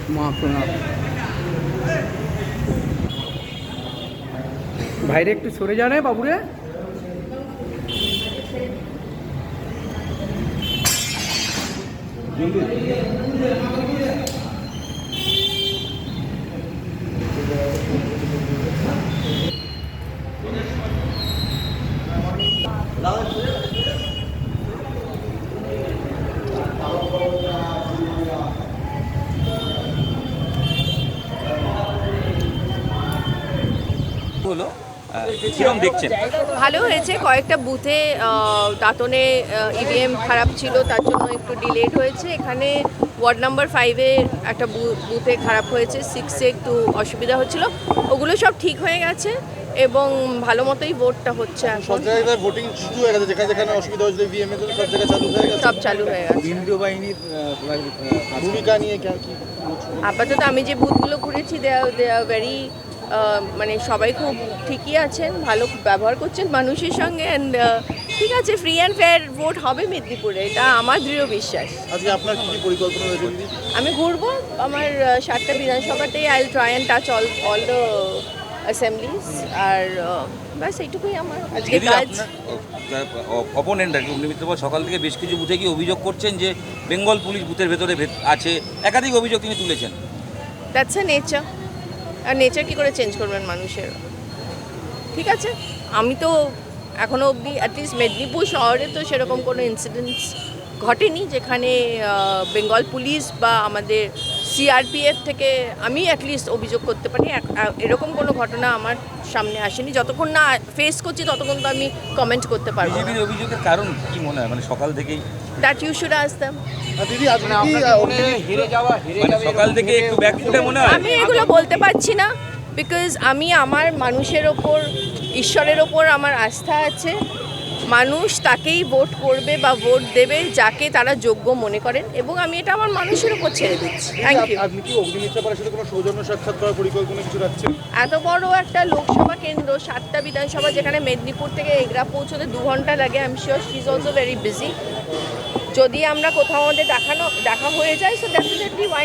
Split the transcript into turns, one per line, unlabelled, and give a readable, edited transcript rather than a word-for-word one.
মহাপ্রণাম। বাইরে একটু সরে জানে বাবুরে।
হলো কিরকম দেখছেন?
ভালো হয়েছে। কয়েকটা বুথে দাঁতনে ইভিএম খারাপ ছিল, তার জন্য একটু ডিলেড হয়েছে। এখানে ওয়ার্ড নাম্বার 5-এ একটা বুথে খারাপ হয়েছে, 6-এ একটু অসুবিধা হচ্ছিল, ওগুলো সব ঠিক হয়ে গেছে এবং ভালো মতোই ভোটটা হচ্ছে।
সব জায়গায় ভোটিং শুরু হয়ে গেছে, যেখানে যেখানে অসুবিধা হয়েছিল ইভিএম এর জন্য সব জায়গায় চালু হয়ে গেছে।
সব চালু হয়ে গেছে।
কেন্দ্রীয় বাহিনীর ভূমিকা নিয়ে কি
আপাতত আমি যে বুথগুলো ঘুরেছি দে আর ভেরি মানে সবাই খুব ঠিকই আছেন, ভালো ব্যবহার করছেন মানুষের সঙ্গে। অ্যান্ড ঠিক আছে, ফ্রি অ্যান্ড ফেয়ার ভোট হবে মেদিনীপুরে, এটা আমার দৃঢ় বিশ্বাস।
আজকে আপনার কি পরিকল্পনা রয়েছে দিদি?
আমি ঘুরবো আমার 7টা বিধানসভাতেই। I will try and touch all the assemblies. আর ব্যাস এইটুকুই আমার আজকে কাজ।
অপোনেন্ট আর কি অগ্নিমিত্র সকাল থেকে বেশ কিছু বুথে কি অভিযোগ করছেন যে বেঙ্গল পুলিশ বুথের ভেতরে আছে, একাধিক অভিযোগ তিনি তুলেছেন।
That's a nature. আর নেচার কী করে চেঞ্জ করবেন মানুষের? ঠিক আছে, আমি তো এখনও অবধি অ্যাটলিস্ট মেদিনীপুর শহরে তো সেরকম কোনো ইনসিডেন্টস ঘটেনি যেখানে বেঙ্গল পুলিশ বা আমাদের সিআরপিএফ থেকে আমি অ্যাটলিস্ট অভিযোগ করতে পারি। এরকম কোনো ঘটনা আমার সামনে আসেনি। যতক্ষণ না ফেস করছি ততক্ষণ তো আমি কমেন্ট করতে পারবো না।
বিজেপির অভিযোগের কারণ কি মনে হয়, মানে সকাল থেকেই
that you should ask them.
দিদি আজকে
সকাল থেকে একটু ব্যাকফুটে মনে হয়?
আমি এগুলো বলতে পারছি না, বিকজ আমি আমার মানুষের ওপর, ঈশ্বরের ওপর আমার আস্থা আছে। মানুষ তাকেই ভোট করবে বা ভোট দেবে যাকে তারা যোগ্য মনে করেন, এবং আমি এটা আমার মানুষের ওপর ছেড়ে দিচ্ছি। Thank you.
আপনি কি অগ্নিমিত্র পাড়ার সাথে কোনো সৌজন্য সাক্ষাৎ করার পরিকল্পনা কিছু রাখছেন?
এত বড় একটা লোকসভা কেন্দ্র, 7টা বিধানসভা, যেখানে মেদিনীপুর থেকে এগরা পৌঁছতে 2 ঘন্টা লাগে। I am sure she is also very busy. যদি আমরা কোথাও আমাদের দেখা হয়ে যায়, সো ডেফিনেটলি